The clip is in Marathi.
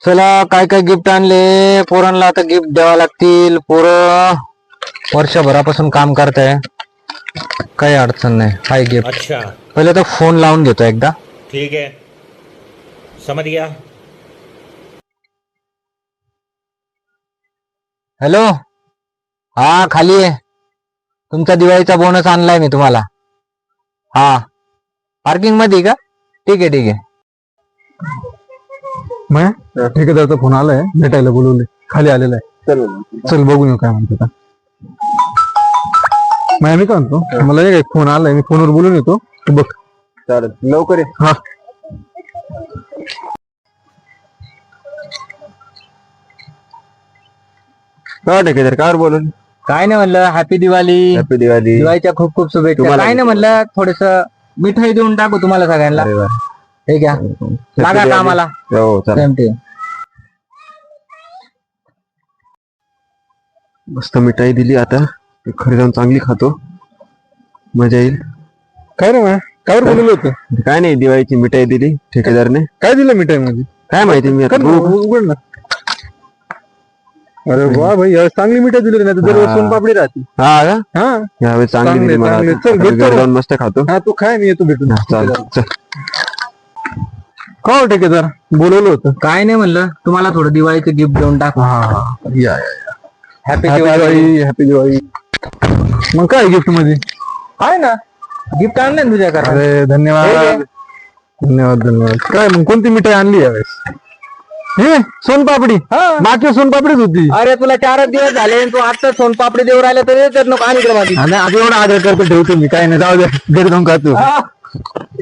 चला काय काय गिफ्ट आणले पोरांना, आता गिफ्ट द्यावा लागतील. पोरं वर्षभरापासून काम करताय, काही अडचण नाही. Hi gift. अच्छा पहिले तर फोन लावून घेतो एकदा. ठीक है, समझ गया. हॅलो, हा खाली आहे. तुमचा दिवाळीचा बोनस आणलाय मी तुम्हाला. हा पार्किंग मध्ये का? ठीक आहे ठीक आहे. मग ठेकेदारचा फोन आलाय, भेटायला बोलवले, खाली आलेला आहे. चल बघून येऊ काय म्हणतो. मग मी काय म्हणतो, मला एक फोन आलाय, मी फोनवर बोलून येतो, तू बघ. चालेल, लवकर ये. हा काय ठेकेदार काय बोलून? काय नाही म्हणलं, हॅपी दिवाळी. हॅपी दिवाळी. दिवाळीच्या खूप खूप शुभेच्छा. तुम्हाला काय नाही म्हणलं, थोडस मिठाई देऊन टाकू तुम्हाला सगळ्यांना. अरे वा. ठीक आहे, लागा कामाला. हो चालेल. Same to. मस्त मिठाई दिली, आता घरी जाऊन चांगली खातो, मजा येईल. काय रे मग कावर बोलवलं होतं? काय नाही, दिवाळीची मिठाई दिली ठेकेदारने. काय दिलं मिठाई मध्ये? काय माहिती, मी आता बघू. उघड ना. अरे वा भाई, यावेळेस चांगली मिठाई दिली, नाही तर दरवेळेस सोनपापडी राहते. हा का? हा यावेळेस चांगली चांगले, दिली मला. चांगले. आता. चल, आता भेटतो घरी मग. जाऊन मस्त खातो. हा तू काय, मी येतो भेटून. चालेल चल. का हो ठेकेदार, बोलवलं होतं? काय नाही म्हणलं, तुम्हाला थोडं दिवाळीचं गिफ्ट देऊन टाकू. हा या happy happy Diwali. Diwali, happy Diwali. मग काय गिफ्ट मध्ये? आहे ना, गिफ्ट आणलं तुझ्या करा. अरे धन्यवाद धन्यवाद धन्यवाद. काय मग कोणती मिठाई आणली यावेळेस? हे सोनपापडी. मागच्या सोनपापडीच होती. अरे तुला 4 दिवस झाले आणि तू आता सोनपापडी देऊ राहिला तर नको आणि आणि आता एवढा आदर करतो, ठेवतो मी. काय नाही, जाऊ दे, घरी जाऊन खातो.